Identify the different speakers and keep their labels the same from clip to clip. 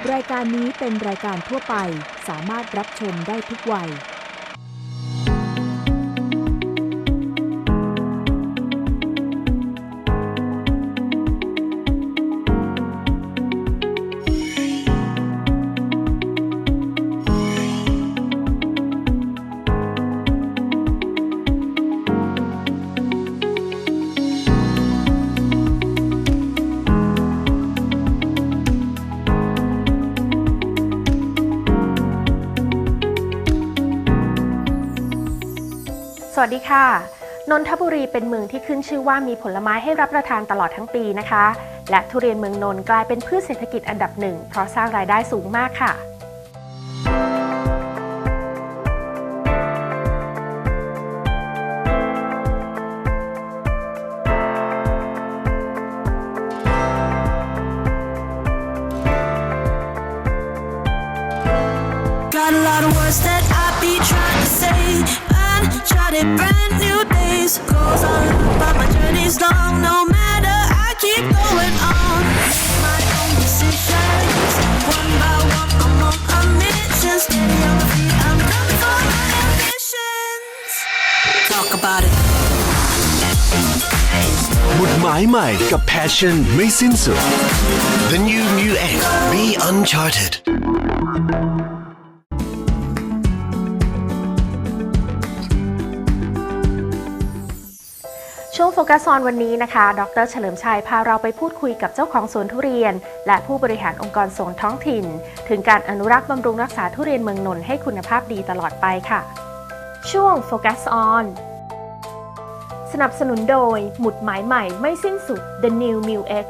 Speaker 1: รายการนี้เป็นรายการทั่วไปสามารถรับชมได้ทุกวัย
Speaker 2: สวัสดีค่ะนนทบุรีเป็นเมืองที่ขึ้นชื่อว่ามีผลไม้ให้รับประทานตลอดทั้งปีนะคะและทุเรียนเมืองนนท์กลายเป็นพืชเศรษฐกิจอันดับหนึ่งเพราะสร้างรายได้สูงมากค่ะ
Speaker 3: Brand new days goes on, but my journey's long. No matter, I keep going on. My own decisions, one by one, I'm on a mission. Steady on my feet, I'm coming for my ambitions. Talk about it.
Speaker 4: หมุดหมายใหม่กับ Passion ไม่สิ้นสุด The New Mu X Be Uncharted
Speaker 2: ช่วงโฟกัสออนวันนี้นะคะดร.เฉลิมชัยพาเราไปพูดคุยกับเจ้าของสวนทุเรียนและผู้บริหารองค์กรส่งท้องถิ่นถึงการอนุรักษ์บำรุงรักษาทุเรียนเมืองนนท์ให้คุณภาพดีตลอดไปค่ะช่วงโฟกัสออนสนับสนุนโดยหมุดหมายใหม่ไม่สิ้นสุด The New Mu X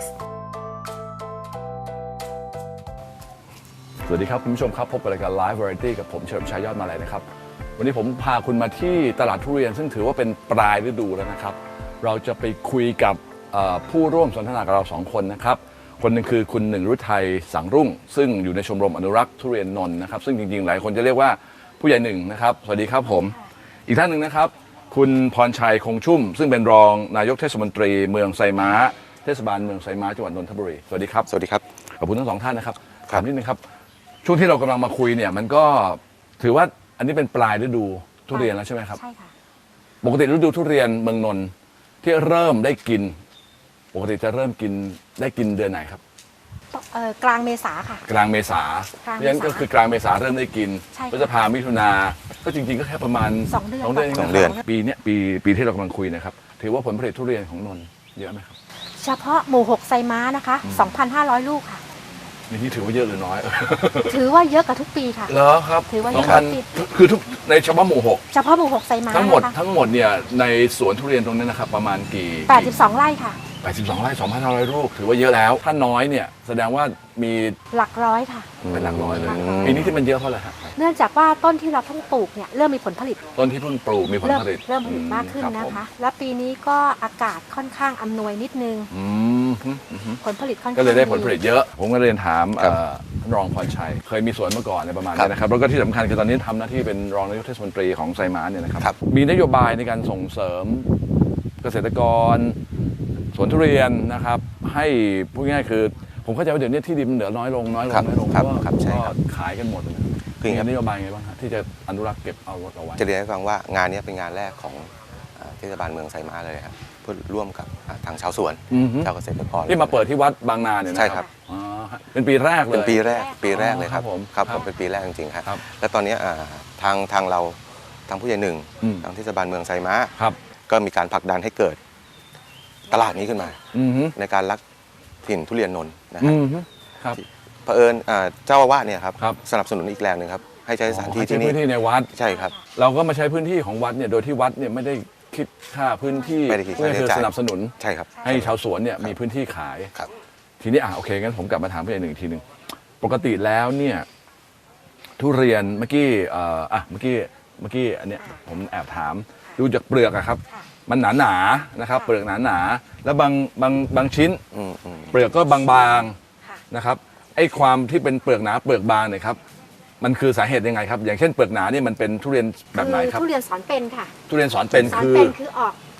Speaker 5: สวัสดีครับคุณผู้ชมครับพบกับรายการ Live Variety กับผมเฉลิมชัยยอดมาลัยนะครับวันนี้ผมพาคุณมาที่ตลาดทุเรียนซึ่งถือว่าเป็นปลายฤดูแล้วนะครับเราจะไปคุยกับผู้ร่วมสนทนากับเรา2คนนะครับคนหนึ่งคือคุณหนึ่งฤทัยสังรุ่งซึ่งอยู่ในชมรมอนุรักษ์ทุเรียนนนท์นะครับซึ่งจริงๆหลายคนจะเรียกว่าผู้ใหญ่หนึ่งนะครับสวัสดีครับผมอีกท่านหนึ่งนะครับคุณพรชัยคงชุ่มซึ่งเป็นรองนายกเทศมนตรีเมืองไซม้าเทศบาลเมืองไซม้าจังหวัดนนทบุรีสวัสดีครับ
Speaker 6: สวัสดีครับ
Speaker 5: ขอบคุณทั้งสองท่านนะครับถามนิดนึงครับช่วงที่เรากำลังมาคุยเนี่ยมันก็ถือว่าอันนี้เป็นปลายฤดูทุเรียนแล้วใช่ไหมครับ
Speaker 2: ใช่ค่ะ
Speaker 5: ปกติฤดูทุเรียนเมืองนนท์ที่เริ่มได้กินปกติจะเริ่มกินได้กินเดือนไหนครับ
Speaker 2: กลางเมษาค่ะ
Speaker 5: กลางเมษาเพราะฉะนั้นก็คือกลางเมษาเริ่มได้กินพฤษภามิถุนาก็จริงๆก็แค่ประมาณ2 เดือนปีนี้ปีที่เรากำลังคุยนะครับถือว่าผลผลิตทุเรียนของนนท์เยอะไหมครับ
Speaker 2: เฉพาะหมู่6ไซม้านะคะ 2,500 ลูกค่ะ
Speaker 5: นี่ถือว่าเยอะหรือน้อย
Speaker 2: ถือว่าเยอะกว่าทุกปีค่ะ
Speaker 5: เหรอครับ
Speaker 2: ถือว่าเยอะกว่าทุกปี
Speaker 5: คือทุกในเฉพาะหมู่6
Speaker 2: เฉพาะหมู่6ไซม้า
Speaker 5: ทั้งหมดเนี่ยในสวนทุเรียนตรงนี้นะครับประมาณกี่
Speaker 2: 82 ไร่ค่ะ
Speaker 5: 82 ไร่ 2,500 ลูกถือว่าเยอะแล้วถ้าน้อยเนี่ยแสดงว่ามี
Speaker 2: หลักร้อยค่ะ
Speaker 5: เป็นหลักร้อยเลยปีนี้ที่มันเยอะเพราะอะไรครับ
Speaker 2: เนื่องจากว่าต้นที่เราเพิ่งปลูกเนี่ยเริ่มมีผลผลิต
Speaker 5: ต้นที่เพิ่งปลูกมีผลผลิต
Speaker 2: เริ่มผลิตมากขึ้นนะคะและปีนี้ก็อากาศค่อนข้างอำนวยนิดนึงผลผลิตค่อนข้าง
Speaker 5: ก็เลยได้ผลผลิตเยอะผมก็เรียนถามรองพรชัยเคยมีสวนมาก่อนในประมาณนี้นะครับแล้วก็ที่สำคัญคือตอนนี้ทำหน้าที่เป็นรองนายกเทศมนตรีของไซม้าเนี่ยนะครับมีนโยบายในการส่งเสริมเกษตรกรสวนทุเรียนนะครับให้พูดง่ายๆคือผมเข้าใจว่าเดี๋ยวนี้ที่ดินมันเหลือน้อยลงก็ขายกันหมดเลยคือมีนโยบายไงบ้างครับที่จะอนุรักษ์เก็บเอาไว้
Speaker 6: จะเรียนให้ฟังว่างานนี้เป็นงานแรกของเทศบาลเมืองไซม้าเลยครับเพื่อร่วมกับทางชาวสวนชาวเกษตรกร
Speaker 5: ที่มาเปิดที่วัดบางนาเนี่ยนะ
Speaker 6: ใช่ครับ
Speaker 5: เป็นปีแรกเลย
Speaker 6: เป็นปีแรกเลยครับผมเป็นปีแรกจริงๆครับและตอนนี้ทางเราทางผู้ใหญ่หนึ่งทางเทศบาลเมืองไซม้าก็มีการผลักดันให้เกิดตลาดนี้ขึ้นมาในการรักถิ่นทุเรียนนนท์นะครับเผอิญเจ้าอาวาสเนี่ยครับสนับสนุนอีกแรงหนึ่งครับให้ใช้สถานที่ที่นี่
Speaker 5: พื้นที่ในวัด
Speaker 6: ใช่ครับ
Speaker 5: เราก็มาใช้พื้นที่ของวัดเนี่ยโดยที่วัดเนี่ยไม่ได้คิดค่าพื้นที่
Speaker 6: เพื่อ
Speaker 5: สนับสนุน
Speaker 6: ใช่ครับ
Speaker 5: ให้ชาวสวนเนี่ยมีพื้นที่ขายทีนี้โอเคงั้นผมกลับมาถามพี่หนึ่งทีหนึ่งปกติแล้วเนี่ยทุเรียนเมื่อกี้อันเนี้ยผมแอบถามดูจากเปลือกอะครับมันหนานะครับเปลือกหนาแล้วบางชิ้นเปลือกก็บางๆนะครับไอ้ความที่เป็นเปลือกหนาเปลือกบางเนี่ยครับมันคือสาเหตุยังไงครับอย่างเช่นเปลือกหนานี่มันเป็นทุเรียนแบบไหนครับ
Speaker 2: ทุเรียนสอนเป็นค่ะ
Speaker 5: ทุเรียนสอนเป็นคือ
Speaker 2: ออก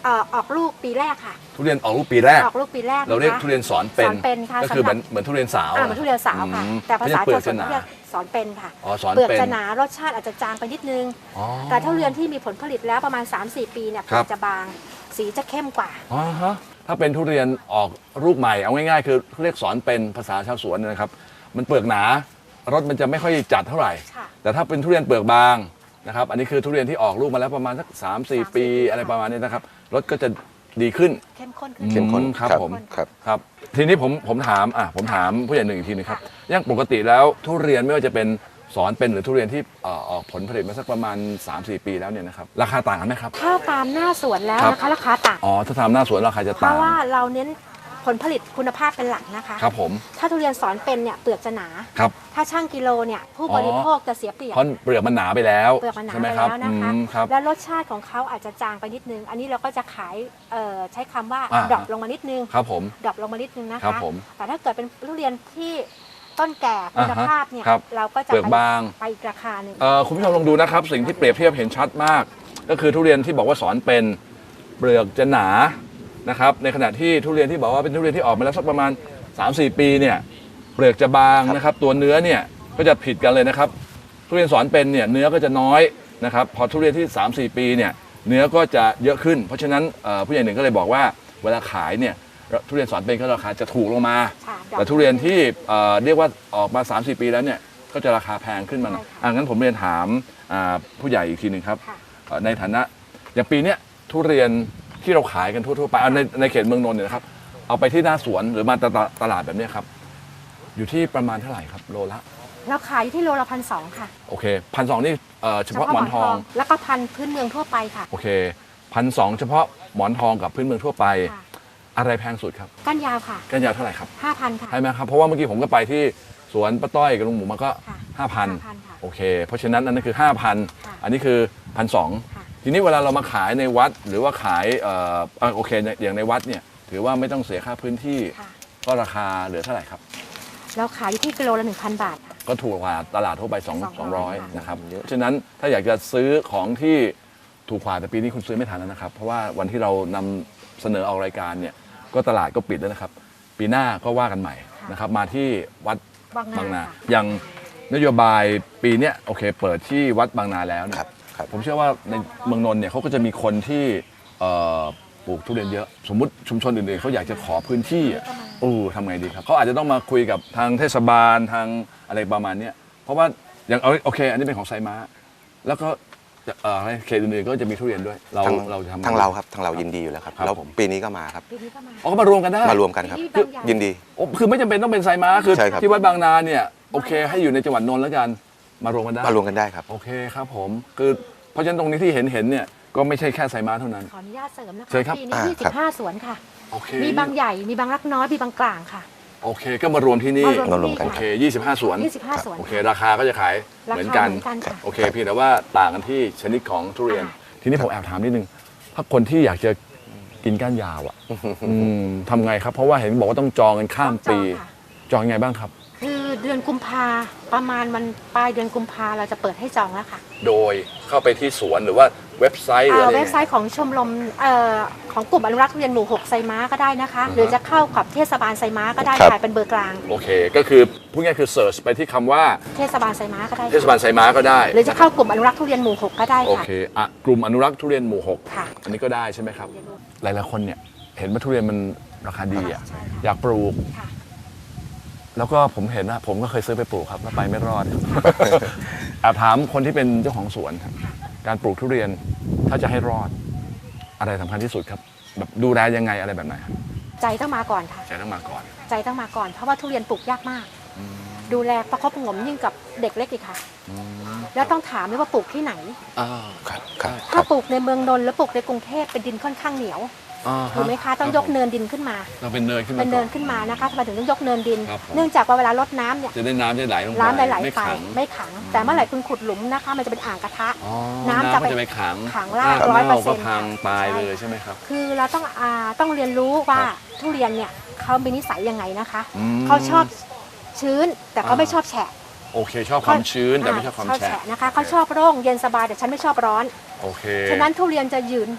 Speaker 7: ออกลูกปีแรกค่ะ
Speaker 5: ทุเรียนออกลูกปีแรก
Speaker 7: ออกลูกปีแรก
Speaker 5: เราเรียก
Speaker 7: นะคะ
Speaker 5: ทุเรียนสอนเป็น
Speaker 7: สอนเป็นค่ะ
Speaker 5: ก็คือ
Speaker 7: สำหรับ
Speaker 5: เหมือนทุเรียนสาว
Speaker 7: เหมือนทุเรียนสาวค่ะ แต่ภาษา
Speaker 5: เปลื
Speaker 7: ชา
Speaker 5: อ
Speaker 7: ว
Speaker 5: ก
Speaker 7: ส
Speaker 5: จะ
Speaker 7: วน
Speaker 5: หนา
Speaker 7: เรียกสอนเป็นค่ะ
Speaker 5: อ๋อสอน
Speaker 7: เปลือก
Speaker 5: เป็น
Speaker 7: จะหนารสชาติอาจจะจางไปนิดนึง
Speaker 5: อ๋อ
Speaker 7: แต่ทุเรียนที่มีผลผลิตแล้วประมาณ 3-4 ปีเนี่ยเป
Speaker 5: ครั
Speaker 7: ลื
Speaker 5: บ
Speaker 7: อกจะบาง สีจะเข้มกว่า
Speaker 5: อ๋อฮะถ้าเป็นทุเรียนออกลูกใหม่เอาง่ายๆคือเรียกสอนเป็นภาษาชาวสวนนะครับ มันเปลือกหนารสมันจะไม่ค่อยจัดเท่าไหร่
Speaker 7: ค่ะ
Speaker 5: แต่ถ้าเป็นทุเรียนเปลือกบางนะครับอันนี้คือทุเรียนที่ออกลูกมาแล้วประมาณสัก3-4 ปีอะไรประมาณนี้นะครับรสก็จะดีขึ้น
Speaker 7: เข้มข้นขึ้น
Speaker 6: เข้มข้น
Speaker 5: ครับผม
Speaker 6: ครับ
Speaker 5: ครับทีนี้ผมถามผู้ใหญ่หนึ่งอีกทีหนึงครับอย่างปกติแล้วทุเรียนไม่ว่าจะเป็นสอนเป็นหรือทุเรียนที่ออกผลผลิตมาสักประมาณ 3-4 ปีแล้วเนี่ยนะครับราคาต่างกันไหมครับ
Speaker 7: ถ้าตามหน้าสวนแล้ว
Speaker 5: ครับ
Speaker 7: นะคะราคาต่าง
Speaker 5: อ๋อถ้าทำหน้าสวนราคาจะ
Speaker 7: เพ
Speaker 5: ต่าง
Speaker 7: ราะว่าเราเน้นผลผลิตคุณภาพเป็นหลักนะคะ
Speaker 5: ครับผม
Speaker 7: ถ้าทุเรียนสอนเป็นเนี่ยเปลือกจะหนา
Speaker 5: ครับ
Speaker 7: ถ้าช่างกิโลเนี่ยผู้บริโภคจะเสียเปรียบ
Speaker 5: เพราะเปลือกมันหนาไปแล้ว
Speaker 7: เปลือกมันหนา
Speaker 5: ใช่ไห
Speaker 7: ไป
Speaker 5: มครับ
Speaker 7: แล้วนะคะ
Speaker 5: ครับ
Speaker 7: และรสชาติของเขาอาจจะจางไปนิดนึง อันนี้เราก็จะขายใช้คำว่า
Speaker 5: อ่า
Speaker 7: ดรอปลงมานิดนึง
Speaker 5: ครับผม
Speaker 7: ดรอปลงมานิดนึงนะ
Speaker 5: ครั
Speaker 7: คะ
Speaker 5: บผม
Speaker 7: แต่ถ้าเกิดเป็นทุเรียนที่ต้นแก่คุณภาพเนี่ย
Speaker 5: ครับ
Speaker 7: เราก็จะ
Speaker 5: เปลือกบาง
Speaker 7: ไปอีกราคาหนึ่ง
Speaker 5: คุณผู้ชมลองดูนะครับสิ่งที่เปรียบเทียบเห็นชัดมาก ก็คือทุเรียนที่บอกว่าสอนเป็นเปลือกจะหนานะครับในขณะที่ทุเรียนที่บอกว่าเป็นทุเรียนที่ออกมาแล้วสักประมาณ 3-4 ปีเนี่ยเปลือกจะบางนะครับตัวเนื้อเนี่ยก็จะผิดกันเลยนะครับทุเรียนสอนเป็นเนี่ยเนื้อก็จะน้อยนะครับพอทุเรียนที่ 3-4 ปีเนี่ยเนื้อก็จะเยอะขึ้น เพราะฉะนั้นผู้ใหญ่หนึ่งก็เลยบอกว่าเวลาขายเนี่ยทุเรียนสอนเป็นก็ราคาจะถูกลงมา
Speaker 7: ค่ะ
Speaker 5: แต่ทุเรียนที่เรียกว่าออกมา 3-4 ปีแล้วเนี่ยก็จะราคาแพงขึ้นมาหน่อย
Speaker 7: ใช่ค่ะ
Speaker 5: งั้นผมเรียนถามผู้ใหญ่อีกทีหนึ่งครับ
Speaker 7: ค่ะ
Speaker 5: ในฐานะอย่างปีเนี้ยทุเรียนที่เราขายกันทั่วๆไปเอาในเขตเมืองนนท์เนี่ยนะครับเอาไปที่หน้าสวนหรือมาตลาดแบบเนี้ยครับอยู่ที่ประมาณเท่าไหร่ครับโลละ
Speaker 7: เราขายอยู่ที่โลละ1,200ค่ะ
Speaker 5: โอเค1,200นี่เฉพาะหมอนทอง
Speaker 7: แล้วก็พันธุ์พื้นเมืองทั่วไปค่ะ
Speaker 5: โอเค1,200เฉพาะหมอนทองกับพื้นเมืองทั่วไป
Speaker 7: ค่ะ
Speaker 5: อะไรแพงสุดครับ
Speaker 7: ก้านยาวค่ะ
Speaker 5: ก้านยาวเท่าไหร่ครับ
Speaker 7: 5,000 ค่ะ
Speaker 5: ใช่ไหมครับเพราะว่าเมื่อกี้ผมก็ไปที่สวนป้าต้อยกับลุงหมูมาก็
Speaker 7: ค่ะ
Speaker 5: 5,000
Speaker 7: 5,000 ค่ะ
Speaker 5: โอเค เพราะฉะนั้นอันนั้นคือ 5,000
Speaker 7: ค่ะ
Speaker 5: อันนี้คือ
Speaker 7: ค่ะ
Speaker 5: 1,200 ทีนี้เวลาเรามาขายในวัดหรือว่าขายโอเคอย่างในวัดเนี่ยถือว่าไม่ต้องเสียค่าพื้นที่
Speaker 7: ค่ะ
Speaker 5: ก็ราคาเหลือเท่าไหร่ครับ
Speaker 7: เราขายอยู่ที่กิโลละ 1,000 บาทค่ะ
Speaker 5: ก็ถูกกว่าตลาดทั่วไป
Speaker 7: 200
Speaker 5: 200นะครับเพราะฉะนั้นถ้าอยากจะซื้อของที่ถูกกว่าแต่ปีนี้คุณซื้อไม่ทันแล้วนะครับ เพราะว่าวันที่เรานำเสนอออกรายการเนี่ยก็ตลาดก็ปิดแล้วนะครับ ปีหน้าก็ว่ากันใหม่นะครับมาที่วัด
Speaker 7: บางนา
Speaker 5: ค่ะอย่างนโยบายปีเนี้ยโอเคเปิดที่วัดบางนาแล้วเนี่ย
Speaker 6: ครับ
Speaker 5: ผมเชื่อว่าในเมืองนนท์เนี่ยเขาก็จะมีคนที่ปลูกทุเรียนเยอะ สมมุติชุมชนอื่นๆเขาอยากจะขอพื้นที่อะทำไงดีครับเขาอาจจะต้องมาคุยกับทางเทศบาลทางอะไรประมาณเนี้ยเพราะว่าอย่างโอเค อันนี้เป็นของไซม้า แล้วก็เขตอื่นๆก็จะมีทุเรียนด้วยเราจะทำ
Speaker 6: ทางเราครับทางเรายินดีอยู่แล้วครับ
Speaker 5: ครับ
Speaker 6: แล้ว
Speaker 5: ผม
Speaker 6: ปีนี้ก็มาครับ
Speaker 7: ปีนี้ก็มา
Speaker 5: อ๋อก็มารวมกันได้
Speaker 6: มารวมกันครับ
Speaker 7: ที่บางใหญ่
Speaker 6: ยินดี
Speaker 5: โอ้คือไม่จำเป็นต้องเป็นไซม้าคือ
Speaker 6: ใช่ครับ
Speaker 5: ที่วัดบางนาเนี่ยโอเค ให้อยู่ในจังหวัดนนท์แล้วกันมารวมกันได้
Speaker 6: มารวมกันได้ครับ
Speaker 5: โอเคครับผมคือเพราะฉะนั้นตรงนี้ที่เห็นเนี่ยก็ไม่ใช่แค่ไซม้าเท่านั้น
Speaker 7: ขออนุญาตเสริมนะ
Speaker 5: เชิ
Speaker 7: คะ
Speaker 5: ญครับ
Speaker 7: ปีนี้
Speaker 6: ครับ
Speaker 7: 25 สวนค่ะ
Speaker 5: โอเค
Speaker 7: มีบางใหญ่ มีบางรักน้อย มีบางกลางค่ะ
Speaker 5: โอเคก็มารวมที่นี่
Speaker 7: มารวม
Speaker 6: กัน
Speaker 5: โอ
Speaker 6: ค
Speaker 5: เครับ 25 สวน
Speaker 7: 25 สวน
Speaker 5: โอเคราคาก็จะขายเหมือนกัน
Speaker 7: ราคาเหมือนกันค่ะ
Speaker 5: โอเคเพียงแต่ว่าต่างกันที่ชนิดของทุเรียน ทีนี้ผมแอบถามนิดนึงถ้าคนที่อยากจะกินก้านยาวอ่ะทำไงครับ เพราะว่าเห็นบอกว่าต้องจองกันข้ามปี
Speaker 7: ต้องจองค่ะ
Speaker 5: จองยังไงบ้างครับ
Speaker 7: คือเดือนกุมภาประมาณมันปลายเดือนกุมภาเราจะเปิดให้จองแล้วค่ะ
Speaker 5: โดยเข้าไปที่สวนหรือว่าเว็บไซต์หรืออะไร
Speaker 7: เว็บไซต์ของชมรมของกลุ่มอนุรักษ์ทุเรียนหมู่ 6 ไซม้าก็ได้นะคะ หรือจะเข้ากับเทศบาลไซม้าก็ได้
Speaker 6: ครับ
Speaker 7: ค่ะเป็นเบอร์กลาง
Speaker 5: โอเคก็คือพูดง่ายคือเสิร์ชไปที่คำว่า
Speaker 7: เทศบาลไซม้าก็ได้
Speaker 5: เทศบาลไซม้าก็ได้
Speaker 7: หรือจะเข้ากลุ่มอนุรักษ์ทุเรียนหมู่ 6 ก็ได้
Speaker 5: โอ
Speaker 7: ค่ะ
Speaker 5: เคกลุ่มอนุรักษ์ทุเรียนหมู่
Speaker 7: ค่ะ
Speaker 5: 6 อันนี้ก็ได้ใช่ไหมครับ หลายๆคนเนี่ยเห็นว่าทุเรียนมันราคาดีอ่ะ
Speaker 7: ใช่ค่ะ
Speaker 5: อยากปลูก
Speaker 7: ค่ะ
Speaker 5: แล้วก็ผมเห็นว่าผมก็เคยซื้อไปปลูกครับแล้วไปไม่รอด แอบถามคนที่เป็นเจ้าของสวนครับการปลูกทุเรียนถ้าจะให้รอด อะไรสำคัญที่สุดครับแบบดูแลยังไงอะไรแบบไหนครับ
Speaker 7: ใจต้องมาก่อนค่ะ
Speaker 5: ใจต้องมาก่อน
Speaker 7: ใจต้องมาก่อน เพราะว่าทุเรียนปลูกยากมาก ดูแลประคบประหงมยิ่งกับเด็กเล็กอีกค่ะ แล้วต้องถามด้วยว่าปลูกที่ไหน
Speaker 6: ครับครับค
Speaker 7: ถ้า
Speaker 6: รับ
Speaker 7: ปลูกในเมืองนนท์แล้วปลูกในกรุงเทพเป็นดินค่อนข้างเหนียวถูกไหมคะ ต้องยกเนินดินขึ้นมา
Speaker 5: เราเป็นเนินขึ้นมา
Speaker 7: เป็น
Speaker 5: ก่
Speaker 7: เนิ
Speaker 5: อน
Speaker 7: นขึ้นมานะคะทำไมถึงต้องยกเนินดิน
Speaker 5: ครับผม
Speaker 7: เนื่องจากว่าเวลารดน้ำเนี่ย
Speaker 5: จะได้น้ำจะไหลลงไป
Speaker 7: น้ำไหล
Speaker 5: ไม่
Speaker 7: ไป
Speaker 5: ขัง
Speaker 7: ไม่ขัง แต่เมื่อไหร่คุณขุดหลุมนะคะ มันจะเป็นอ่างกระทะ
Speaker 5: อ๋อ
Speaker 7: น้ำ
Speaker 5: น้ำ
Speaker 7: จะ
Speaker 5: ก็
Speaker 7: ไป
Speaker 5: จะไปขัง
Speaker 7: ขังราก
Speaker 5: เน่าก็
Speaker 7: 100%
Speaker 5: พังตาย
Speaker 7: ใช่
Speaker 5: เลยใช่ไหมครับ
Speaker 7: คือเราต้องเรียนรู้ว่า
Speaker 5: ครับ
Speaker 7: ทุเรียนเนี่ยเขามีนิสัยยังไงนะคะ
Speaker 5: อืม
Speaker 7: เขาชอบชื้นแต่เขาไม่ชอบแฉะ
Speaker 5: โอเค ชอบความชื้นแต่ไม่ชอบความแฉะ
Speaker 7: นะคะเขาชอบร่มเย็นสบายแต่ฉันไม่ชอบร้อน
Speaker 5: โอเค
Speaker 7: ฉะนั้นทุเรียนจะยืน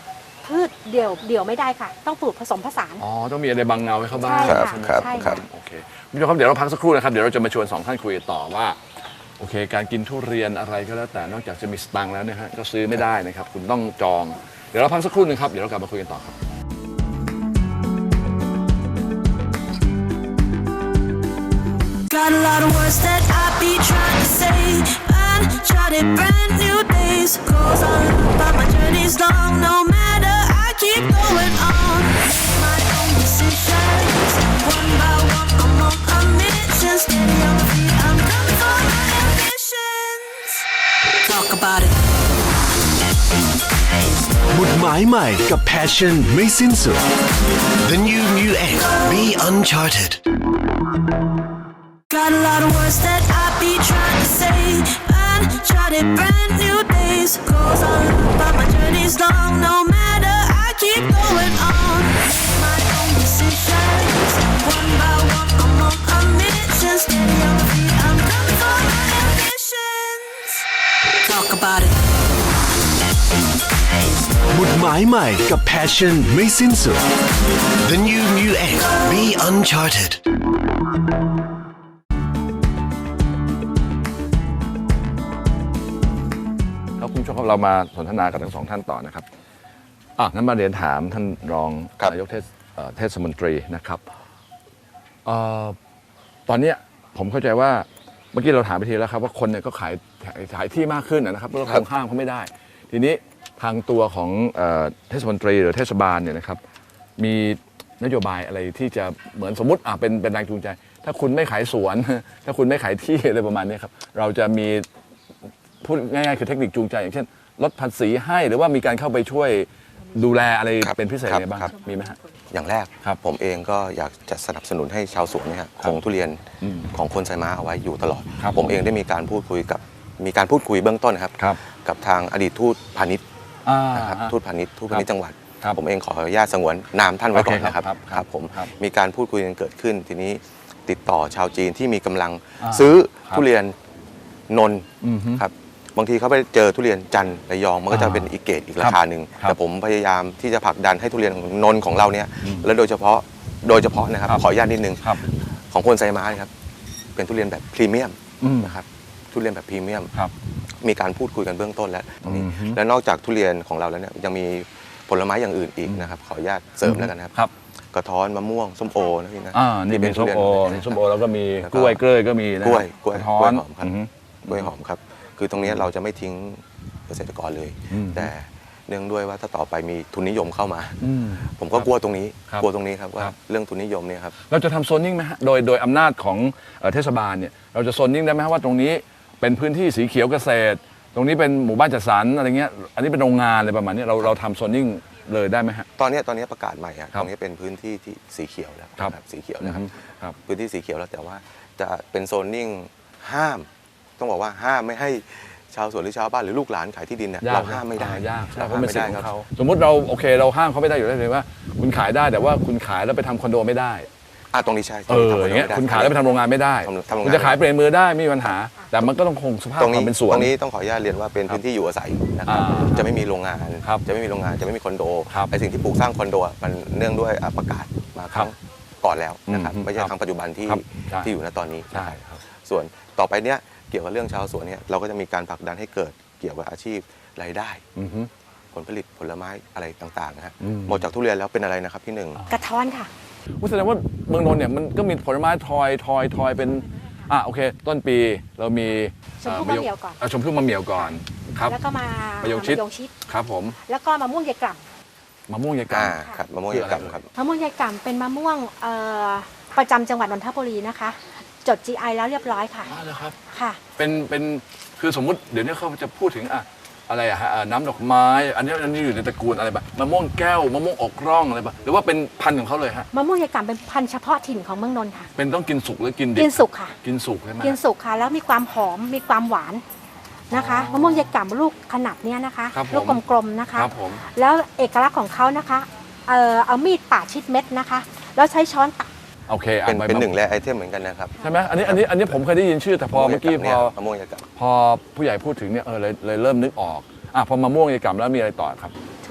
Speaker 7: พืชเดี่ยวไม่ได้ค่ะ ต้องปลูกผสมผสาน
Speaker 5: อ๋อต้องมีอะไรบังเงาให้เขาบ้าง
Speaker 7: ใช่ค่ะ
Speaker 5: ใช่ไหม
Speaker 7: ใช่
Speaker 6: ครั
Speaker 7: ค่ะ
Speaker 6: บ
Speaker 5: โอเคคุณผู้ชมครับเดี๋ยวเราพักสักครู่นะครับเดี๋ยวเราจะมาชวน2ท่านคุยต่อว่าโอเคการกินทุเรียนอะไรก็แล้วแต่นอกจากจะมีสตังค์แล้วเนี่ยฮะก็ซื้อไม่ได้นะครับคุณต้องจองเดี๋ยวเราพักสักครู่หนึงครับเดี๋ยวเรากลับมาคุยกันต่อครับ
Speaker 3: Got a lot of words that I be trying to say. Uncharted, brand new days. Goes on, but my journey's long. No matter, I keep going on. My own decisions, one by one, I'm on a mission. Steady on my feet, I'm coming for my ambitions. Talk about it.
Speaker 4: หมุดหมายใหม่กับ Passion ไม่สิ้นสุด The new Mu X Be Uncharted
Speaker 3: Got a lot of words that I be trying to say. Uncharted, brand new days. Goes on, but my journey's long. No matter, I keep going on. My own decisions, one by one, I'm on a mission. Steady on my feet, I'm coming for my ambitions. Talk about it.
Speaker 4: หมุดหมายใหม่กับ Passion ไม่สิ้นสุด The new Mu X Be Uncharted
Speaker 5: ครับคุณผู้ชมครับเรามาสนทนากับทั้งสองท่านต่อนะครับงั้นมาเรียนถามท่านรอง
Speaker 6: ครับ
Speaker 5: นายกเทศมนตรีนะครับตอนเนี้ยผมเข้าใจว่าเมื่อกี้เราถามไปทีแล้วครับว่าคนเนี่ยก็ขายที่มากขึ้นนะครับเพราะเราคงห้ามเขาไม่ได้ ทีนี้ทางตัวของเทศมนตรีหรือเทศบาลเนี่ยนะครับมีนโยบายอะไรที่จะเหมือนสมมติเป็นแรงจูงใจ ถ้าคุณไม่ขายสวน ถ้าคุณไม่ขายที่อะไรประมาณนี้ครับเราจะมีพูดง่ายๆคือเทคนิคจูงใจอย่างเช่นลดภาษีให้หรือว่ามีการเข้าไปช่วยดูแลอะไร
Speaker 6: ครับ
Speaker 5: เป็นพิเศษ
Speaker 6: ครับ
Speaker 5: อะไรบ้าง
Speaker 6: ครับ
Speaker 5: มีไหมฮะ
Speaker 6: อย่างแรก
Speaker 5: ครับ
Speaker 6: ผมเองก็อยากจะสนับสนุนให้ชาวสวนเนี่ยคงทุเรียนของคนไซม้าเอาไว้อยู่ตลอด
Speaker 5: ครับ
Speaker 6: ผมเองได้มีการพูดคุยเบื้องต้นนะครับ
Speaker 5: ครับ
Speaker 6: กับทางอดีตทูตพาณิชย์นะครับทูตพาณิชย์จังหวัด
Speaker 5: ครับ
Speaker 6: ผมเองขออนุญาตสงวนนามท่านไว้ก่อนนะครับ
Speaker 5: โอเคครับ
Speaker 6: ครับผม
Speaker 5: ครับ
Speaker 6: มีการพูดคุยกันเกิดขึ้น ทีนี้ติดต่อชาวจีนที่มีกำลัง
Speaker 5: อ่า
Speaker 6: ซื้อ
Speaker 5: ครับ
Speaker 6: ทุเรียนนนท์
Speaker 5: อือฮึ
Speaker 6: ครับบางทีเขาไปเจอทุเรียนจันทร์ระยองมันก็จะเป็นอีกเกรดอีกราคาหนึ่ง
Speaker 5: ครับ
Speaker 6: แต่ผมพยายามที่จะผลักดันให้ทุเรียนนนท์ของเราเนี่ยและโดยเฉพาะนะครับ
Speaker 5: ครับ
Speaker 6: ขออนุญาตนิดนึง
Speaker 5: ครับ
Speaker 6: ของคนไซม้านะครับเป็นทุเรียนแบบพรีเมียม
Speaker 5: อืม
Speaker 6: นะครับทุเรียนแบบพรีเมียม
Speaker 5: ครับ
Speaker 6: มีการพูดคุยกันเบื้องต้นแล้วตรงนี้
Speaker 5: อือฮึ
Speaker 6: และนอกจากทุเรียนของเราแล้วเนี่ยยังมีผลไม้อย่างอื่นอีกนะครับขออนุญาตเสริมแล้วกันนะครับ
Speaker 5: ครับ
Speaker 6: กระท้อนมะม่วงส้มโอนะพี่นะ
Speaker 5: นี่เป็นส้มโอ
Speaker 6: ทุเรียน
Speaker 5: ส้มโอแล้วก็มี
Speaker 6: แล้ว
Speaker 5: กล้วยเกล้ยก็มีนะ
Speaker 6: กล้วย
Speaker 5: กระท้อน
Speaker 6: หอมครับ
Speaker 5: อือฮึ
Speaker 6: กล้วยหอมครับคือตรงนี้เราจะไม่ทิ้งเกษตรกรเลย
Speaker 5: อืม
Speaker 6: แต่เนื่องด้วยว่าถ้าต่อไปมีทุนนิยมเข้ามา
Speaker 5: อืม
Speaker 6: ผมก็กลัวตรงนี้
Speaker 5: ครับ
Speaker 6: กลัวตรงนี้ครับว่า
Speaker 5: ครับ
Speaker 6: เรื่องทุนนิยมเนี่ยครับ
Speaker 5: เราจะทำโซนนิ่งไหมฮะโดยอำนาจของเทศบาลเนี่ยเราจะโซนนิ่งได้ไหมฮะว่าตรงนี้เป็นพื้นที่สีเขียวเกษตร ตรงนี้เป็นหมู่บ้านจัดสรรอะไรเงี้ยอันนี้เป็นโรงงานอะไรประมาณนี้เราทำโซนนิ่งเลยได้ไหมฮะ
Speaker 6: ตอนนี้ประกาศใหม่อะ
Speaker 5: ครับ
Speaker 6: ตรงนี้เป็นพื้นที่ที่สีเขียวแล้ว
Speaker 5: ครับ
Speaker 6: สีเขียวนะครับ
Speaker 5: ครับ
Speaker 6: พื้นที่สีเขียวแล้วแต่ว่าจะเป็นโซนนิ่งห้าม ต้องบอกว่าห้ามไม่ให้ชาวสวนหรือชาวบ้านหรือลูกหลานขายที่ดินเนี่ย
Speaker 5: ยาก
Speaker 6: เราห้ามไม่ได้
Speaker 5: ยากใช่
Speaker 6: เรา
Speaker 5: เพ
Speaker 6: ห้า
Speaker 5: ราะ
Speaker 6: ม
Speaker 5: เป็น
Speaker 6: ไม่
Speaker 5: สิท
Speaker 6: ได้
Speaker 5: ธิ์ข
Speaker 6: ค
Speaker 5: อ
Speaker 6: รับ
Speaker 5: งเขาสมมติเราโอเคเราห้ามเขาไม่ได้อยู่แล้วเลยว่า คุณขายได้แต่ว่าคุณขายแล้วไปทำคอนโดไม่ได้
Speaker 6: ตรงนี้ใช่
Speaker 5: อย่างเงี้ยคุณขายแล้วไปทำโรงงานไม่ได้
Speaker 6: ทำโรงงาน
Speaker 5: คุณจะขายเปลี่ยนมือได้ไม่มีปัญหา แต่มันก็ต้องคงสภาพ
Speaker 6: ตรง
Speaker 5: ค
Speaker 6: นี้
Speaker 5: วามเป็นสวน
Speaker 6: ตรงนี้ต้องขออนุญาตเรียนว่าเป็นพื้นที่อยู่อาศัยนะครับ
Speaker 5: อ่า
Speaker 6: จะไม่มีโรงงาน
Speaker 5: ครับ
Speaker 6: จะไม่มีโรงงานจะไม่มีคอนโด
Speaker 5: ครับ
Speaker 6: ไอสิ่งที่ปลูกสร้างคอนโดอะมันเนื่องด้วยประกาศมาครั้งก่อนแล้วนะครับ
Speaker 5: อืม
Speaker 6: ไม่ใช่ครั้งปัจจุบันที่
Speaker 5: ครับใช่
Speaker 6: ที่อยู่ณตอนนี้
Speaker 5: ใช่ครับ
Speaker 6: ส่วนต่อไปเนี้ยเกี่ยวกับเรื่องชาวสวนเนี่ยเราก็จะมีการผลักดันให้เกิดเกี่ยวกับอาชีพรายได้
Speaker 5: อือฮึ
Speaker 6: ผลผลิตผลไม้อะไรต่างๆนะฮะ
Speaker 5: อืม
Speaker 6: หมดจากทุเรียนแล้วเป็นอะไรนะครับพี่หนึ่ง
Speaker 7: กระท้อนค่ะ
Speaker 5: แสดงว่าเมืองนนท์เนี่ยมันก็มีผลไม้ทอยเป็นโอเค ต้นปีเรามี
Speaker 7: ชมพู่มะเหมี่ยวก่อน
Speaker 5: ชมพู่มะเหมี่ยวก่อนครับ
Speaker 7: แล้วก็มาม
Speaker 5: ะยงชิด
Speaker 7: มะยงชิด
Speaker 5: ครับผม
Speaker 7: แล้วก็มะม่วงยายกล่
Speaker 5: มะม่วงยายกา
Speaker 6: ครับมะม่วงยายกำครับ
Speaker 7: ำมะม่วงยายกล่ำเป็นมะม่วงประจำจังหวัดนนทบุรีนะคะ จด GI แล้วเรียบร้อยค่ะ
Speaker 5: เหรอครับ
Speaker 7: ค่ะ
Speaker 5: เป็นคือสมมุติเดี๋ยวนี้เขาจะพูดถึงอะไรฮะน้ำดอกไม้อันนี้อยู่ในตระกูลอะไรแบบมะม่วงแก้วมะม่วงอกร่องอะไรแบบหรือว่าเป็นพันธุ์ของเขาเลยฮะ
Speaker 7: มะม่วงยายกล่ำเป็นพันธุ์เฉพาะถิ่นของเมืองนนท์ค่ะ
Speaker 5: เป็นต้องกินสุกหรือกินดิบ
Speaker 7: กินสุกค่ะ
Speaker 5: กินสุกใช่ไหม
Speaker 7: กินสุกค่ะ แล้วมีความหอมมีความหวานนะคะมะม่วงยายกล่ำลูกขนาดเนี้ยนะคะ
Speaker 5: ครับผม
Speaker 7: ลูกกลมๆนะคะ
Speaker 5: ครับผม
Speaker 7: แล้วเอกลักษณ์ของเขานะคะเอามีดปาดชิดเม็ดนะคะ แล้วใช้ช้อนตัก
Speaker 5: โอเค
Speaker 6: เป็นหนึ่งแร่ไอเทมเหมือนกันนะครับ
Speaker 5: ใช่ไหมอันนี้ผมเคยได้ยินชื่อแต่พอเมื่อกี้
Speaker 6: มะม่วงยายกำ
Speaker 5: พอผู้ใหญ่พูดถึงเนี่ยเลยเริ่มนึกออกพอมะม่วงยายกำแล้วมีอะไรต่อครับ
Speaker 7: ทุเรียน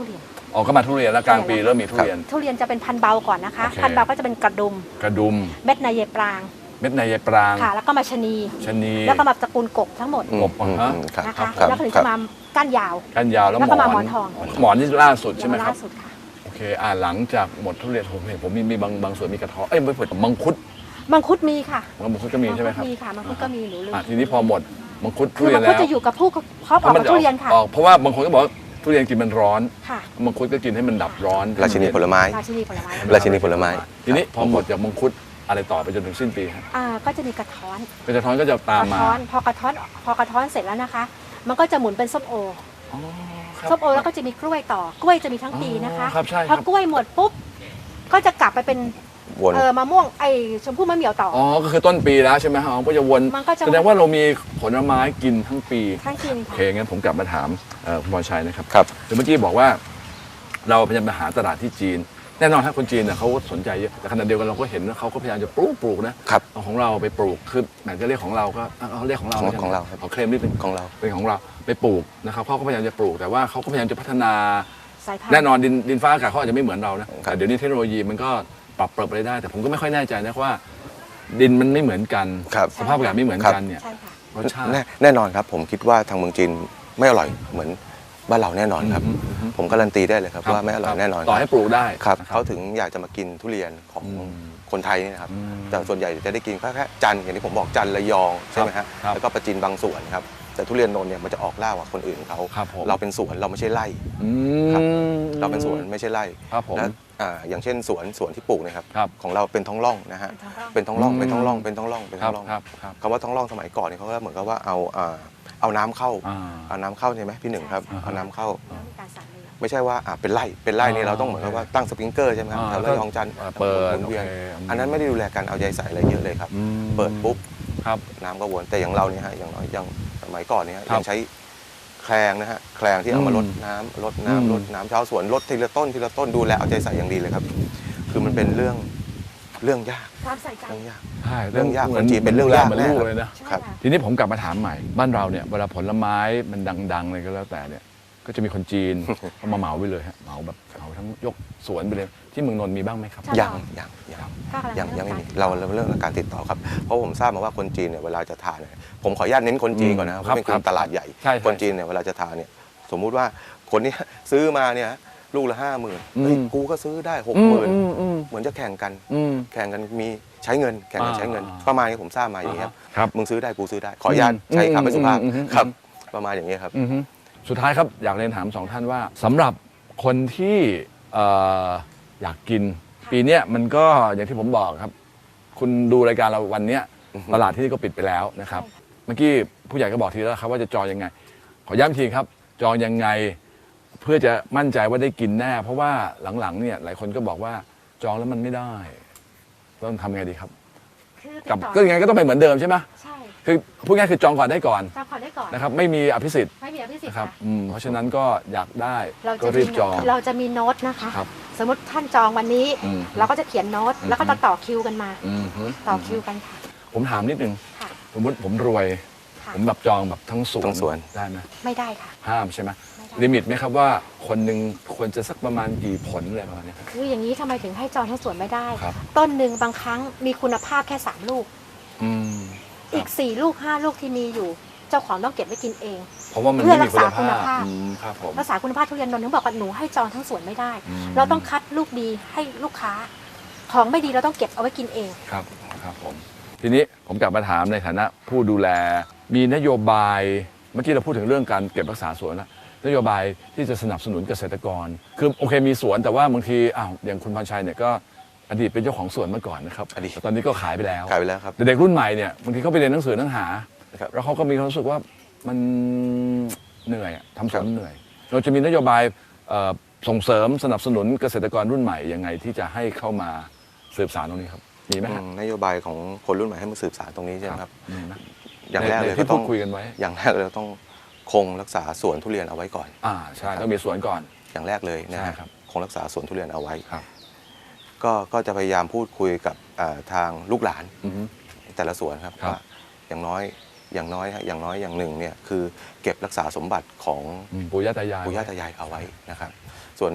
Speaker 5: ออกก็มาทุเรียนแล้วกลางปีเริ่มมีทุเรียน
Speaker 7: ทุเรียนจะเป็นพันธุ์เบาก่อนนะคะ
Speaker 5: โอเค
Speaker 7: พันธุ์เบาก็จะเป็นกระดุม
Speaker 5: กระดุม
Speaker 7: เม็ดในเยปราง
Speaker 5: เม็ดในยายปราง
Speaker 7: ค่ะ แล้วก็มาชะนี
Speaker 5: ชะนี
Speaker 7: แล้วก็มาตระกูลกบทั้งหมด
Speaker 5: กบฮะ
Speaker 6: ครับ
Speaker 7: นะ
Speaker 6: ครั
Speaker 7: คะ
Speaker 6: บครับ
Speaker 7: แล้วก็ถึง
Speaker 6: ครั
Speaker 7: จะ
Speaker 6: บ
Speaker 7: มาก้านยาว
Speaker 5: กันยาวแล้ว
Speaker 7: แล้ว
Speaker 5: ห
Speaker 7: ก็
Speaker 5: ม
Speaker 7: มา
Speaker 5: อน
Speaker 7: หมอนทอง
Speaker 5: หมอนนี่ล่าสุดใช่ไหม
Speaker 7: แล้ว
Speaker 5: ครับ
Speaker 7: ล่าสุดค่ะ
Speaker 5: โอเคหลังจากหมดทุเรียนผมเห็นผมมีบางส่วนมีกระท้อนไม่เปิดมังคุด
Speaker 7: มังคุดมีค่ะ
Speaker 5: มังคุดก็มีใช่ไหมครับ
Speaker 7: มีค่ะมังคุดก็มีหนูลืม
Speaker 5: ทีนี้พอหมดมังคุดทุ
Speaker 7: คือ
Speaker 5: เรีย
Speaker 7: มัน ง
Speaker 5: แล้
Speaker 7: คุด
Speaker 5: ว
Speaker 7: จะอยู่กับผู้เพาะปอกกับทุเรียนค่ะ
Speaker 5: ออกเพราะว่าบางคนก็บอกว่าทุเรียนกินมันร้อน
Speaker 7: ค่ะ
Speaker 5: มังคุดก็กินให้มันดับร้อน
Speaker 6: ราชินีผลไม้
Speaker 7: ราชินีผลไม้
Speaker 6: ราชินีผลไม้
Speaker 5: ทีนี้พอหมดจากมังคุดอะไรต่อไปจนถึงสิ้นปีครับ
Speaker 7: ก็จะมีกระท้อน
Speaker 5: กระท้อนก็จะตาม
Speaker 7: กระ
Speaker 5: มา
Speaker 7: ท้อนพอกระท้อนเสร็จแล้วนะคะ มันก็จะหมุนเป็นส้มโอ
Speaker 5: อ๋อครับ
Speaker 7: ส้มโอแล้วก็จะมีกล้วยต่อกล้วยจะมีทั้งปีนะคะ
Speaker 5: ครับใช่
Speaker 7: พอกล้วยหมดปุ๊บก็จะกลับไปเป็น
Speaker 6: วน
Speaker 7: มะม่วงชมพู่มะเหมี่ยวต่อ
Speaker 5: อ๋อก็คือต้นปีแล้วใช่ไหมครับก็จะวน
Speaker 7: มันก็จะ
Speaker 5: แสดงว่าเรามีผลไม้กินทั้งปี
Speaker 7: ทั้งกิน
Speaker 5: โอ
Speaker 7: ค่ะ
Speaker 5: เคงั้นผมกลับมาถามคุณพรชัยนะครับ
Speaker 6: ครับ
Speaker 5: เมื่อกี้บอกว่าเราพยายามไปหาตลาดที่จีน แน่นอนครับคนจีนเนี่ยเขาสนใจเยอะแต่ขณะเดียวกันเราก็เห็นว่าเขาก็พยายามจะปลูกนะครับเอาของเราไปปลูกคือแหมจะเรียกของเราก็เอาเรียกของเรา
Speaker 6: ของเรา
Speaker 5: เขาเคลมนี่เป็น
Speaker 6: ของเรา
Speaker 5: เป็นของเราไปปลูกนะครับเขาก็พยายามจะปลูกแต่ว่าเขาก็พยายามจะพัฒนา
Speaker 7: สายพันธุ์
Speaker 5: แน่นอนดินฟ้าอากาศเขาอาจจะไม่เหมือนเรานะแต่เดี๋ยวนี้เทคโนโลยีมันก็ปรับเปรับไปได้ แต่ผมก็ไม่ค่อยแน่ใจนะว่า ดินมันไม่เหมือนกัน
Speaker 6: ครับ
Speaker 5: สภาพอากาศไม่เหมือนกันเนี่ย
Speaker 7: ใช่ค่ะ
Speaker 5: รสชาติ
Speaker 6: แน่นอนครับ ผมคิดว่าทางเมืองจีนไม่อร่อยเหมือนบ้านเราแน่นอนครับ ผมการันตีได้เลยครับว่าไม่อร่อยแน่นอน
Speaker 5: ต่อให้ปลูกได้
Speaker 6: ครับ
Speaker 5: นะ
Speaker 6: เขาถึงอยากจะมากินทุเรียนของ
Speaker 5: อืม
Speaker 6: คนไทยนี่นะครับ
Speaker 5: อืม
Speaker 6: แต่ส่วนใหญ่จะได้กินแค่จันทร์อย่างที่ผมบอกจันทร์ระยองใช่ไหมฮะ
Speaker 5: ครับ
Speaker 6: แล้วก็ประจินบางส่วนครับแต่ทุเรียนนนท์เนี่ยมันจะออกล่ากว่าคนอื่นเขา
Speaker 5: ครับผม
Speaker 6: เราเป็นสวนเราไม่ใช่ไร่
Speaker 5: อื
Speaker 6: ครับ
Speaker 5: ม
Speaker 6: เราเป็นสวนไม่ใช่ไร่
Speaker 5: ครับผม
Speaker 6: และอย่างเช่นสวนที่ปลูกเนะครับ
Speaker 5: ครับ
Speaker 6: ของเราเป็นท้องร่องนะฮะ
Speaker 7: เป็
Speaker 6: เป็น
Speaker 7: นท้
Speaker 6: ท้อ
Speaker 7: อง งร่
Speaker 6: ร่อ
Speaker 7: อง ง
Speaker 6: เป็นท้องร่องเป็นท้องร่องเป็น
Speaker 5: ค
Speaker 6: ท้
Speaker 5: รั
Speaker 6: อบ งร่อง
Speaker 5: ครับครับ
Speaker 6: คำว่าท้องร่องสมัยก่อนเนี่ยเขาก็เหมือนกับว่าเอาน้ำเข้า เอาน้ำเข้าใช่ไหมพี่หนึ่งครับ
Speaker 5: อ่าฮะ
Speaker 6: เอาน้ำเข้า
Speaker 7: แล้วมีการสั่งเลย
Speaker 6: ไม่ใช่ว่าเป็นไร่นี่เราต้องเหมือนกับว่าตั้งสปริงเกอร์ใช่ไหมครับแถวระยองจันทร์
Speaker 5: เปิด
Speaker 6: หมุนเวียน
Speaker 5: โอเค
Speaker 6: อันนั้นไม่ได้ดูแลการเอาใจใส่อะไรเยอะเลยครับ
Speaker 5: อืม
Speaker 6: เปิดปุ๊บ
Speaker 5: ครับ
Speaker 6: น้ำก็วนแต่อย่างเราเนี่ยฮะอย่างน้อยอย่างสมัยก่อนเนี่ยฮะ
Speaker 5: ครับ
Speaker 6: ยังใช้แคลงนะฮะแคลงที่เอามาลดน้ำลดน้ำ
Speaker 5: อืม
Speaker 6: ลดน้ำชาวสวนลดทีละต้นทีละต้นดูแลเอาใจใส่อย่างดีเลยครับ คือมันเป็นเรื่องยาก
Speaker 7: ความใส่ใจ
Speaker 6: เรื่องยาก
Speaker 5: ใช่
Speaker 6: เรื่องยาก
Speaker 5: หมื
Speaker 6: คนจีนเป็นเรื่องยาก
Speaker 5: เหมือน
Speaker 6: แน่
Speaker 5: ลูก
Speaker 6: ครับ
Speaker 5: เลยนะ
Speaker 7: ใช่
Speaker 6: ครับ
Speaker 7: ค่ะ
Speaker 5: ทีนี้ผมกลับมาถามใหม่บ้านเราเนี่ยเวลาผลไม้มันดังๆเลยก็แล้วแต่เนี่ยก็จะมีคนจีน เขามาเหมาไปเลยฮะเหมาแบบเหมาทั้งยกสวนไปเลยที่เมืองนนท์มีบ้างไหมครับ
Speaker 7: ใช่
Speaker 6: ยัง
Speaker 7: ก็กำลั
Speaker 6: ยังไม่มี
Speaker 7: เริ่
Speaker 6: เราเรื่องการติดต่อครับเพราะผมทราบมาว่าคนจีนเนี่ยเวลาจะทานเนี่ยผมขออนุญาตเน้นคนจีนก่อนนะครับเพราะเป็น
Speaker 5: ครับ
Speaker 6: ตลาดใหญ่
Speaker 5: ใช่
Speaker 6: คนจีนเนี่ยเวลาจะทานเนี่ยสมมุติว่าคนเนี้ยซื้อมาเนี่ยลูกละ50,000เฮ้ยกูก็ซื้อได้60,000เหมือนจะแข่งกัน แข่งกันมีใช้เงินแข่งกันใช้เงิน ประมาณนี้ผมทราบมาอย่างนี้ยครับ
Speaker 5: ครับ
Speaker 6: มึงซื้อได้กูซื้อได้ ขออนุญาตใช้คำไม่สุภาพครับ ประมาณอย่างนี้ยครับ
Speaker 5: อือฮึสุดท้ายครับอยากเรียนถามสองท่านว่าสำหรับคนที่อยากกิน ปีเนี้ยมันก็อย่างที่ผมบอกครับ คุณดูรายการเราวันเนี้ยตลาดที่นี่ก็ปิดไปแล้วนะครับ เมื่อกี้ผู้ใหญ่ก็บอกทีแล้วครับว่าจะจองยังไง ขอย้ำอีกทีครับ จองยังไงเพื่อจะมั่นใจว่าได้กินแน่ เพราะว่าหลังๆเนี่ยหลายคนก็บอกว่าจองแล้วมันไม่ได้ต้องทำไงดีครับ
Speaker 7: คือติด
Speaker 5: กับ
Speaker 7: ต่อ
Speaker 5: ก็ยังไงก็ต้องเป็นเหมือนเดิมใช่ไหม
Speaker 7: ใช่
Speaker 5: คือพูดง่ายๆคือจองก่อนได้ก่อน
Speaker 7: จองก่อนได้ก่อน
Speaker 5: นะครับไม่มีอภิสิทธิ์
Speaker 7: ไม่มีอภิสิทธิ์
Speaker 5: นะครับ
Speaker 7: ค่ะ
Speaker 5: เพราะฉะนั้นก็อยากได้
Speaker 7: เรา
Speaker 5: ก็
Speaker 7: จะ
Speaker 5: รี
Speaker 7: มี
Speaker 5: บจอง
Speaker 7: เราจะมีโน้ตนะคะ
Speaker 5: ครับ
Speaker 7: สมมติท่านจองวันนี้
Speaker 5: อืม
Speaker 7: เราก็จะเขียนโน้ตแล้วก็ต่อคิวกันมา
Speaker 5: อืมฮึ
Speaker 7: ต่อคิวกันค่ะ
Speaker 5: ผมถามนิดนึง
Speaker 7: ค่ะ
Speaker 5: สมมติผมรวย
Speaker 7: ค่ะ
Speaker 5: ผมแบบจองแบบทั้งสวน
Speaker 6: ทั้งสวน
Speaker 5: ได้ไหม
Speaker 7: ไม่ได้ค่ะ
Speaker 5: ห้ามใช่ไหม
Speaker 7: ไม่ได้
Speaker 5: ลิมิตไหมครับว่าคนหนึ่งควรจะสักประมาณกี่ผลอะไรประมาณนี้ครับ
Speaker 7: คืออย่างนี้ทำไมถึงให้จองทั้งสวนไม่ได้
Speaker 5: ครับ
Speaker 7: ต้นหนึ่งบางครั้งมีคุณภาพแค่3ลูก
Speaker 5: อืม
Speaker 7: อีก4ลูก5ลูกที่มีอยู่ เจ้าของต้องเก็บไว้กินเอง
Speaker 5: เพราะว่ามัน
Speaker 7: เพื่อ
Speaker 5: ไม่มีคุณ
Speaker 7: รักษาคุณ
Speaker 5: ภาพ
Speaker 7: ภาพ
Speaker 5: ครับผม
Speaker 7: รักษาคุณภาพทุเรียนนนท์ถึงบอกว่าหนูให้จองทั้งสวนไม่ได้
Speaker 5: อืม
Speaker 7: เราต้องคัดลูกดีให้ลูกค้า ของไม่ดีเราต้องเก็บเอาไว้กินเอง
Speaker 5: ครับครับผมทีนี้ผมกลับมาถามในฐานะผู้ดูแล มีนโยบายเมื่อกี้เราพูดถึงเรื่องการเก็บรักษาสวนแล้วนโยบายที่จะสนับสนุนเกษตรกร คือโอเคมีสวนแต่ว่าบางทีอย่างคุณพรชัยเนี่ยก็อดีตเป็นเจ้าของสวนมาก่อนนะครับ
Speaker 6: อดีต
Speaker 5: แต่ตอนนี้ก็ขายไปแล้ว
Speaker 6: ขายไปแล้วครับ
Speaker 5: แต่เด็กรุ่นใหม่เนี่ยบางทีเขาไปเรียนหนังสือหนังหา
Speaker 6: ครับ
Speaker 5: แล้วเขาก็มีความรู้สึกว่ามันเหนื่อยอะทำสวนเหนื่อย เราจะมีนโยบายส่งเสริมสนับสนุนเกษตรกรรุ่นใหม่ยังไงที่จะให้เข้ามาสืบสานตรงนี้ครับมีไหมฮะ
Speaker 6: นโยบายของคนรุ่นใหม่ให้มาสืบสานตรงนี้ใช่ไหมครับ
Speaker 5: มีไหม
Speaker 6: อย่างแรกเลย
Speaker 5: ที่
Speaker 6: ก็ต้
Speaker 5: พู
Speaker 6: อ
Speaker 5: ด
Speaker 6: ง
Speaker 5: คุยกันไว้
Speaker 6: อย่างแรกเลยต้องคงรักษาสวนทุเรียนเอาไว้ก่อน
Speaker 5: ใช่ต้องมีสวนก่อน
Speaker 6: อย่างแรกเลยนะ
Speaker 5: ใช่
Speaker 6: ฮะ
Speaker 5: ครับ
Speaker 6: คงรักษาสวนทุเรียนเอาไว้
Speaker 5: ครับ
Speaker 6: ก็จะพยายามพูดคุยกับทางลูกหลาน
Speaker 5: อือฮึ
Speaker 6: แต่ละสวนครับ
Speaker 5: ครับ
Speaker 6: ว่าอย่างน้อยอย่างหนึ่งเนี่ยคือเก็บรักษาสมบัติของ
Speaker 5: ปู่ย่าตายาย
Speaker 6: ปู่ย่าตายายเอาไว้นะครับ ส่วน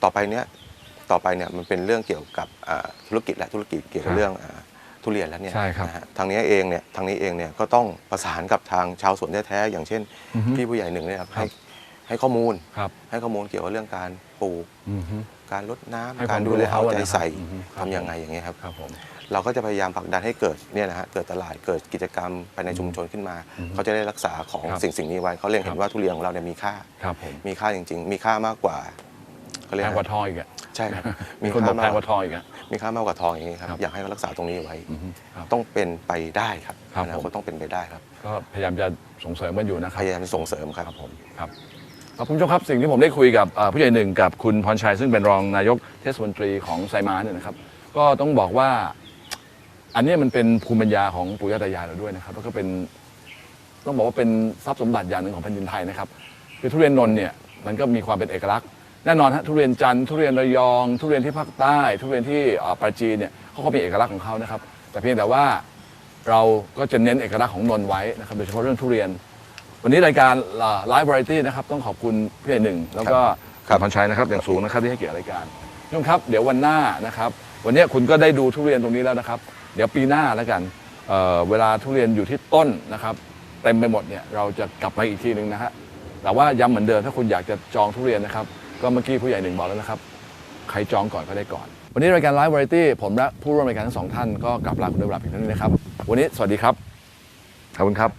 Speaker 6: ต่อไปเนี่ยมันเป็นเรื่องเกี่ยวกับธุรกิจและธุรกิจเกี่ยวกับเรื่องทุเรียนแล้วเนี่ยนะฮะทางนี้เองเนี่ยก็ต้องประสานกับทางชาวสวนแท้ๆอย่างเช่นพี่ผู้ใหญ่หนึ่งเนี่ยครับให้ข้อมูลเกี่ยวกับเรื่องการปลูกการรดน้ำการดูแลเอาใจใส่ทำยังไงอย่างเงี้ยครับเราก็จะพยายามผลักดันให้เกิดเนี่ยนะฮะเกิดตลาดเกิดกิจกรรมภายในชุมชนขึ้นมาเขาจะได้รักษาของสิ่งนี้ไว้เขาเรียกเห็นว่าทุเรียนของเราเนี่ยมีค่ามีค่าจริงๆมีค่ามากกว่าเขาเรียกแพงกว่าทองอีกใช่ครับมีคนบอกแพงกว่าทองอีกมีค่ามากกว่าทองอย่างนี้ครับอยากให้เขารักษาตรงนี้ไว้ต้องเป็นไปได้ครับอนาคตต้องเป็นไปได้ครับ
Speaker 5: ก็พยายามจะส่งเสริมมันอยู่นะครับ
Speaker 6: พยายามจะส่งเสริมครับผม
Speaker 5: ครับคุณผู้ชมครับสิ่งที่ผมได้คุยกับผู้ใหญ่หนึ่งกับคุณพรชัยซึ่งเป็นรองนายกเทศมนตรีของไซม้าเนี่ยนะครับก็ต้องบอกว่าอันนี้มันเป็นภูมิปัญญาของปู่ย่าตายายเราด้วยนะครับแล้วก็เป็นต้องบอกว่าเป็นทรัพย์สมบัติอย่างหนึ่งของแผ่นดินไทยนะครับคือทุเรียนนนท์เนี่ยมันก็มีความเป็นเอกลักษณ์แน่นอนฮะทุเรียนจันทร์ทุเรียนระยองทุเรียนที่ภาคใต้ทุเรียนที่ปราจีนเนี่ยเขาก็มีเอกลักษณ์ของเขานะครับแต่เพียงแต่ว่าเราก็จะเน้นเอกลักษณ์ของนนท์ไว้นะครับโดยเฉพาะเรื่องทุเรียนวันนี้รายการไลฟ์วาไรตี้นะครับต้องขอบคุณพี่หนึ่งแล้วก็พรชัยนะครับอย่างสูงนะครับที่ให้เกียรติรายการทุกท่านครับเดี๋ยววันหน้านะครับวันนี้คุณก็ได้ดูทุเรียนตรงนี้แล้วนะครับเดี๋ยวปีหน้าแล้วกันเวลาทุเรียนอยู่ที่ต้นนะครับเต็มไปหมดเนี่ยเราจะกลับมาอีกทีนึงนะฮะแต่ว่าย้ำเหมือนเดิมถ้าคุณอยากจะจองทุเรียนนะครับก็เมื่อกี้ผู้ใหญ่หนึ่งบอกแล้วนะครับใครจองก่อนก็ได้ก่อนวันนี้รายการไลฟ์วาไรตี้ผมและผู้ร่วมรายการทั้งสองท่านก็กลับลาคุณด้วยเวลาเพียงเท่านี้นะครับวันนี้สวัสดีครับขอบคุณครับ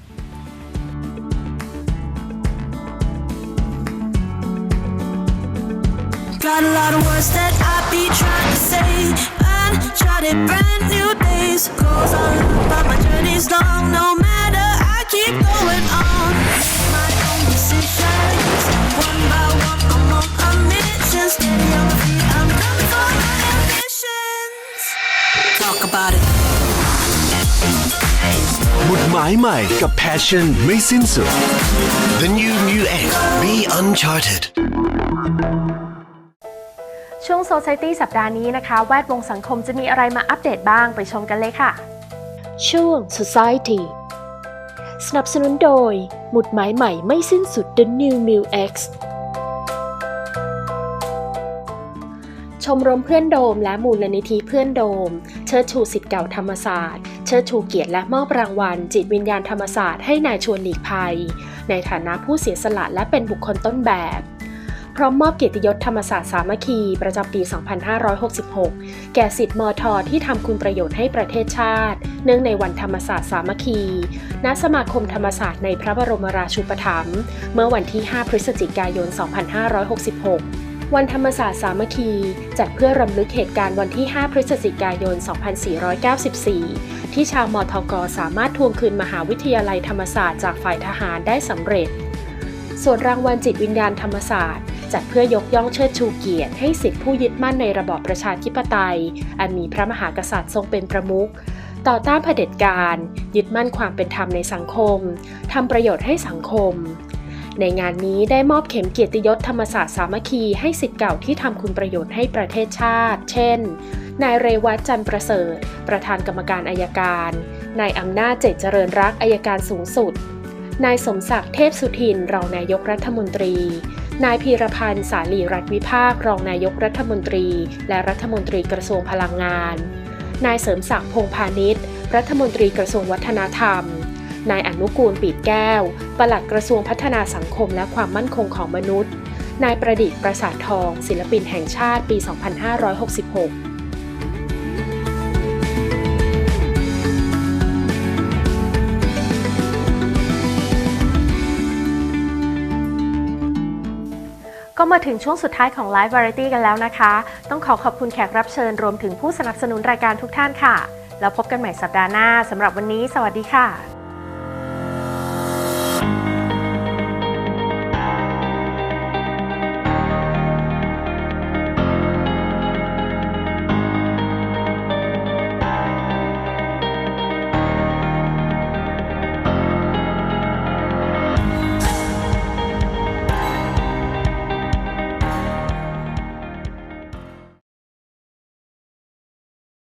Speaker 3: Got a lot of words that I be trying to say. Uncharted brand new days. Goes on, but my journey's long. No matter, I keep going on. Make my own decisions. One by one, I'm on a mission. Steady on my feet, I'm coming for my ambitions. Talk about it.
Speaker 4: หมุดหมายใหม่กับ Passion ไม่สิ้นสุด The New Mu X Be Uncharted
Speaker 2: ช่วง Society สัปดาห์นี้นะคะแวดวงสังคมจะมีอะไรมาอัปเดตบ้างไปชมกันเลยค่ะ
Speaker 1: ช่วง Society สนับสนุนโดยหมุดหมายใหม่ไม่สิ้นสุด The New Mu X ชมรมเพื่อนโดมและมูลนิธิเพื่อนโดมเชิดชูศิษย์เก่าธรรมศาสตร์เชิดชูเกียรติและมอบรางวัลจิตวิญญาณธรรมศาสตร์ให้นายชวนหลีกภัยในฐานะผู้เสียสละและเป็นบุคคลต้นแบบพร้อมมอบเกียรติยศธรรมศาสตร์สามัคคีประจำปี 2566 แก่ศิษย์มท.ที่ทำคุณประโยชน์ให้ประเทศชาติเนื่องในวันธรรมศาสตร์สามัคคีณสมาคมธรรมศาสตร์ในพระบรมราชูปถัมภ์เมื่อวันที่ 5 พฤศจิกายน 2566 วันธรรมศาสตร์สามัคคีจัดเพื่อรำลึกเหตุการณ์วันที่ 5 พฤศจิกายน 2494 ที่ชาวมทก.สามารถทวงคืนมหาวิทยาลัยธรรมศาสตร์จากฝ่ายทหารได้สำเร็จส่วนรางวัลจิตวิญญาณธรรมศาสตร์จัดเพื่อยกย่องเชิดชูเกียรติให้ศิษย์ผู้ยึดมั่นในระบอบประชาธิปไตยอันมีพระมหากษัตริย์ทรงเป็นประมุขต่อต้านเผด็จการยึดมั่นความเป็นธรรมในสังคมทำประโยชน์ให้สังคมในงานนี้ได้มอบเข็มเกียรติยศธรรมศาสตร์สามัคคีให้ศิษย์เก่าที่ทำคุณประโยชน์ให้ประเทศชาติเช่นนายเรวัตจันทร์ประเสริฐประธานกรรมการอัยการนายอำนาจเจตเจริญรักอัยการสูงสุดนายสมศักดิ์เทพสุทินรองนายกรัฐมนตรีนายพีรพันธ์สาลีรัฐวิภาครองนายกรัฐมนตรีและรัฐมนตรีกระทรวงพลังงานนายเสริมศักดิ์พงษ์พาณิชย์รัฐมนตรีกระทรวงวัฒนธรรมนายอนุกูลปีดแก้วปลัดกระทรวงพัฒนาสังคมและความมั่นคงของมนุษย์นายประดิษฐ์ประสาททองศิลปินแห่งชาติปี 2566
Speaker 2: ก็มาถึงช่วงสุดท้ายของ Live Variety กันแล้วนะคะต้องขอบคุณแขกรับเชิญรวมถึงผู้สนับสนุนรายการทุกท่านค่ะแล้วพบกันใหม่สัปดาห์หน้าสำหรับวันนี้สวัสดีค่ะ